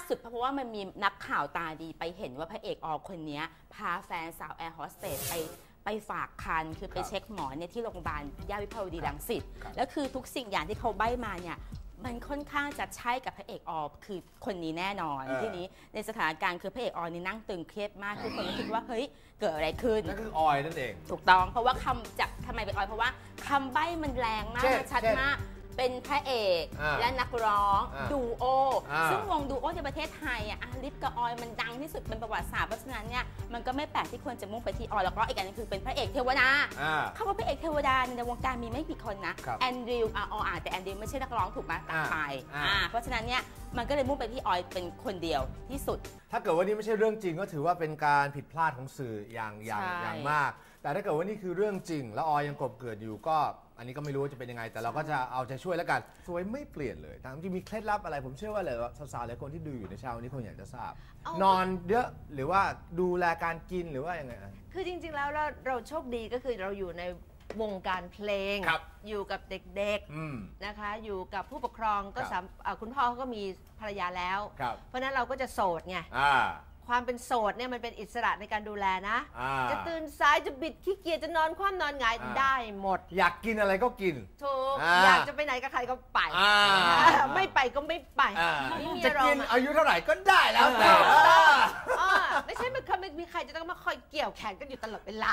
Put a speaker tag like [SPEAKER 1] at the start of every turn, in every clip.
[SPEAKER 1] สุดเพราะว่ามันมีนักข่าวตาดีไปเห็นว่าพระเอกอคนนี้พาแฟนสาวแอร์โฮสเตสไปฝากคันคือไปเช็คหมอเนี่ยที่โรงพยาบาลย่านวิภาวดีรังสิตแล้วคือทุกสิ่งอย่างที่เขาใบ้มาเนี่ยมันค่อนข้างจะใช่กับพระเอกคือคนนี้แน่นอนทีนี้ในสถานการณ์คือพระเอกนี่นั่งตึงเครียดมากทุกคนก็คิดว่าเฮ้ยเกิดอะไรขึ้น
[SPEAKER 2] นั่นคือออยนั่นเอง
[SPEAKER 1] ถูกต้องเพราะว่าทำไมเป็นออยเพราะว่าคำใบ้มันแรงมากชัดมากเป็นพระเอกและนักร้องดูโอซึ่งวงดูโอในประเทศไทยลิฟกับออยมันดังที่สุดเป็นประวัติศาสตร์เพราะฉะนั้นเนี่ยมันก็ไม่แปลกที่ควรจะมุ่งไปที่ออยแล้วก็อีกอันนึงคือเป็นพระเอกเทวดาคำว่าพระเอกเทวดาในวงการมีไม่กี่คนนะแอนดริวแต่แอนดริวไม่ใช่นักร้องถูกไหมต่างไปเพราะฉะนั้นเนี่ยมันก็เลยมุ่งไปที่ออยเป็นคนเดียวที่สุด
[SPEAKER 2] ถ้าเกิดว่านี่ไม่ใช่เรื่องจริงก็ถือว่าเป็นการผิดพลาดของสื่ออย่างมากแต่ถ้าเกิดว่านี่คือเรื่องจริงแล้วออยยังกลบเกลื่อนอยู่ก็อันนี้ก็ไม่รู้ว่าจะเป็นยังไงแต่เราก็จะเอาใจช่วยแล้วกันสวยไม่เปลี่ยนเลยทั้งที่มีเคล็ดลับอะไรผมเชื่อว่าเลยว่าสาวๆหลายคนที่ดูอยู่ในเช้านี้คงอยากจะทราบนอนเยอะหรือว่าดูแลการกินหรือว่ายังไง
[SPEAKER 3] คือจริงๆแล้วเราโชคดีก็คือเราอยู่ในวงการเพลงอยู่กับเด็กๆนะคะอยู่กับผู้ปกครองก็คุณพ่อเขาก็มีภรรยาแล้วเพราะนั้นเราก็จะโสดไงความเป็นโสดเนี่ยมันเป็นอิสระในการดูแลนะจะตื่นสายจะบิดขี้เกียจจะนอนคว่ำนอนหงายได้หมด
[SPEAKER 2] อยากกินอะไรก็กิน
[SPEAKER 3] ถูกอยากจะไปไหนกับใครก็ไปไม่ไปก็ไม่ไป
[SPEAKER 2] จะกินอายุเท่าไหร่ก็ได้แล้วแต่
[SPEAKER 3] ไม่ใช่ไม่มีใครจะต้องมาคอยเกี่ยวแขนกันอยู่ตลอดเวลา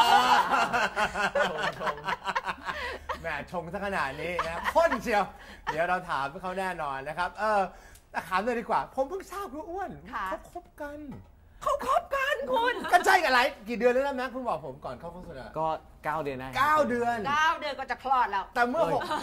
[SPEAKER 2] แหมชงซะขนาดนี้นะข้นเชียวเดี๋ยวเราถามเขาแน่นอนนะครับถามเลยดีกว่าผมเพิ่งทราบคุณอ้วนเขาคบกันคุณกันใช่กันไรกี่เดือนแล้วนะแม็กคุณบอกผมก่อนเข้าโฆษณา
[SPEAKER 4] ก็9 เดือนนะ
[SPEAKER 2] 9 เดือน
[SPEAKER 3] ก็จะคลอดแล้ว
[SPEAKER 2] แต่เมื่อ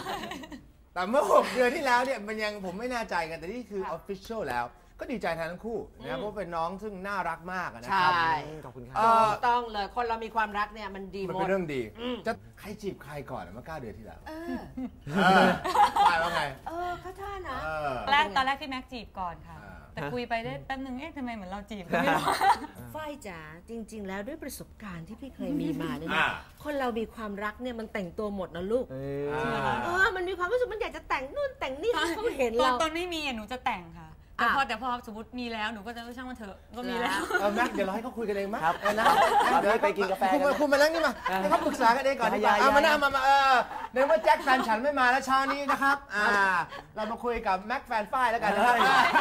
[SPEAKER 2] 6 เดือนที่แล้วเนี่ยมันยังผมไม่แน่ใจกันแต่นี่คือ official แล้วก็ดีใจแทนทั้งคู่นะเพราะเป็นน้องซึ่งน่ารักมากนะครับ
[SPEAKER 3] ขอบคุณครับต้องเลยคนเรามีความรักเนี่ยมันดีหมด
[SPEAKER 2] มันเป็นเรื่องดีจะใครจีบใครก่อนเมื่อ9 เดือนที่แล้วไปว่าไง
[SPEAKER 3] เขาท่านะ
[SPEAKER 5] ตอนแรกพี่แม็กจีบก่อนค่ะแต่คุยไปได้แป๊บนึงทำไมเหมือนเราจีบกันไม่รู้
[SPEAKER 3] ฝ้ายจ๋าจริงๆแล้วด้วยประสบการณ์ที่พี่เคยมีมาเนี่ยนะคนเรามีความรักเนี่ยมันแต่งตัวหมดนะลูกมันมีความรู้สึกมันอยากจะแต่งนู่นแต่งนี่เขาเห็นเรา
[SPEAKER 5] ตอนไม่มีหนูจะแต่งค่ะแต่พอสมมติมีแล้วหนูก็จะช่างมันเถอะก็มีแล้ว
[SPEAKER 2] แม็กเดี๋ยวเราให้เขาคุยกันเองมั้ย
[SPEAKER 4] ครับนะเดี๋ยวไปกินกาแฟ
[SPEAKER 2] คุณมานั่งนี่มาให้เขาปรึกษากันเองก่อนดีกว่ามาในเมื่อแจ็คแฟนฉันไม่มาแล้วเช้านี้นะครับเรามาคุยกับแม็กแฟนฝ้ายแล้วกันนะครับ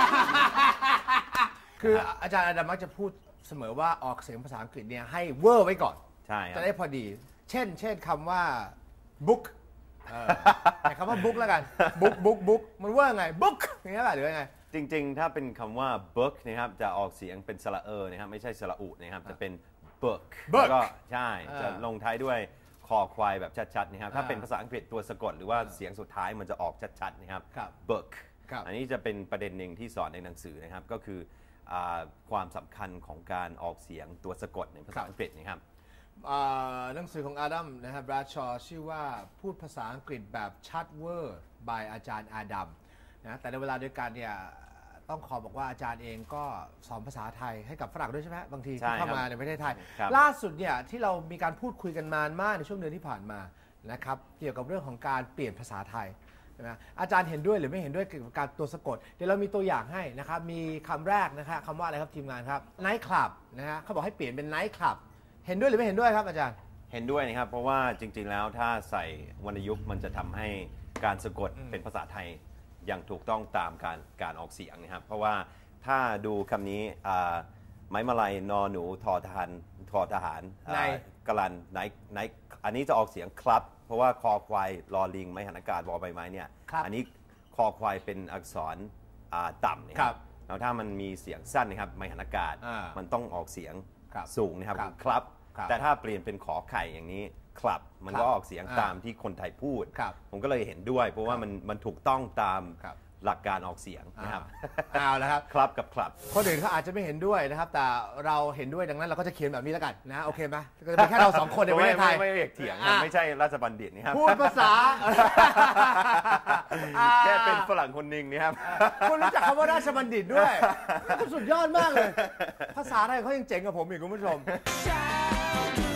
[SPEAKER 2] คืออาจารย์อดัมมักจะพูดเสมอว่าออกเสียงภาษาอังกฤษเนี่ยให้เวอร์ไว้ก่อน
[SPEAKER 4] ใช่
[SPEAKER 2] จะได้พอดีเช่นคำว่า book แต่คำว่า book แล้วกัน book มันเวอร์ไง book อย่างนี้ป่ะหรือยังไง
[SPEAKER 4] จริงๆถ้าเป็นคำว่า book นะครับจะออกเสียงเป็นสระนะครับไม่ใช่สระอุนะครับจะเป็น book แล้วก็ใช่จะลงท้ายด้วยคอควายแบบชัดๆนะครับถ้าเป็นภาษาอังกฤษตัวสะกดหรือว่าเสียงสุดท้ายมันจะออกชัดๆนะครับ book อันนี้จะเป็นประเด็นหนึ่งที่สอนในหนังสือนะครับก็คือความสำคัญของการออกเสียงตัวสะกดในภาษาอังกฤษนะครับ
[SPEAKER 2] หนังสือของอาดัมนะครับบราชอชื่อว่าพูดภาษาอังกฤษแบบชัดเวอร์ by อาจารย์อาดัมนะแต่ในเวลาเดียวกันเนี่ยต้องขอบอกว่าอาจารย์เองก็สอนภาษาไทยให้กับฝรั่งด้วยใช่ไหมบางทีที่เข้ามาในประเทศไทยล่าสุดเนี่ยที่เรามีการพูดคุยกันมากในช่วงเดือนที่ผ่านมานะครับเกี่ยวกับเรื่องของการเปลี่ยนภาษาไทยนะอาจารย์เห็นด้วยหรือไม่เห็นด้วยเกี่ยวกับการตัวสะกดเดี๋ยวเรามีตัวอย่างให้นะครับมีคำแรกนะครับคำว่าอะไรครับทีมงานครับ night club นะฮะเขาบอกให้เปลี่ยนเป็น night club เห็นด้วยหรือไม่เห็นด้วยครับอาจารย์
[SPEAKER 4] เห็นด้วยนะครับเพราะว่าจริงๆแล้วถ้าใส่วรรณยุกต์มันจะทำให้การสะกดเป็นภาษาไทยอย่างถูกต้องตามการออกเสียงนะครับเพราะว่าถ้าดูคำนี้ไม้มาลัยนอหนูทอทหารกลันไหนอันนี้จะออกเสียงครับเพราะว่าคอควายลอลิงไม้หันอากาศบอใบไม้เนี่ยอันนี้คอควายเป็นอักษรต่ำนะครับแล้วถ้ามันมีเสียงสั้นนะครับไม้หันอากาศมันต้องออกเสียงสูงนะครับครับแต่ถ้าเปลี่ยนเป็นขอไข่อย่างนี้ครับมันก็ออกเสียงตามที่คนไทยพูดผมก็เลยเห็นด้วยเพราะว่ามันถูกต้องตามหลักการออกเสียงนะครับ
[SPEAKER 2] เอาละครับ
[SPEAKER 4] ครับกับครับ
[SPEAKER 2] คนอื่นเขาอาจจะไม่เห็นด้วยนะครับแต่เราเห็นด้วยดังนั้นเราก็จะเขียนแบบนี้แล้วกันนะโอเคไหมก็จะเป็นแค่เรา2 คนในประเทศไทย
[SPEAKER 4] ไม่เถียงไม่ใช่ราชบัณฑิตนะครับ
[SPEAKER 2] พูดภาษา
[SPEAKER 4] แค่เป็นฝรั่งคนหนึ่งนี่ครับ
[SPEAKER 2] คุณรู้จักคำว่าราชบัณฑิตด้วยสุดยอดมากเลยภาษาไทยเขายังเจ๋งกว่าผมอีกคุณผู้ชม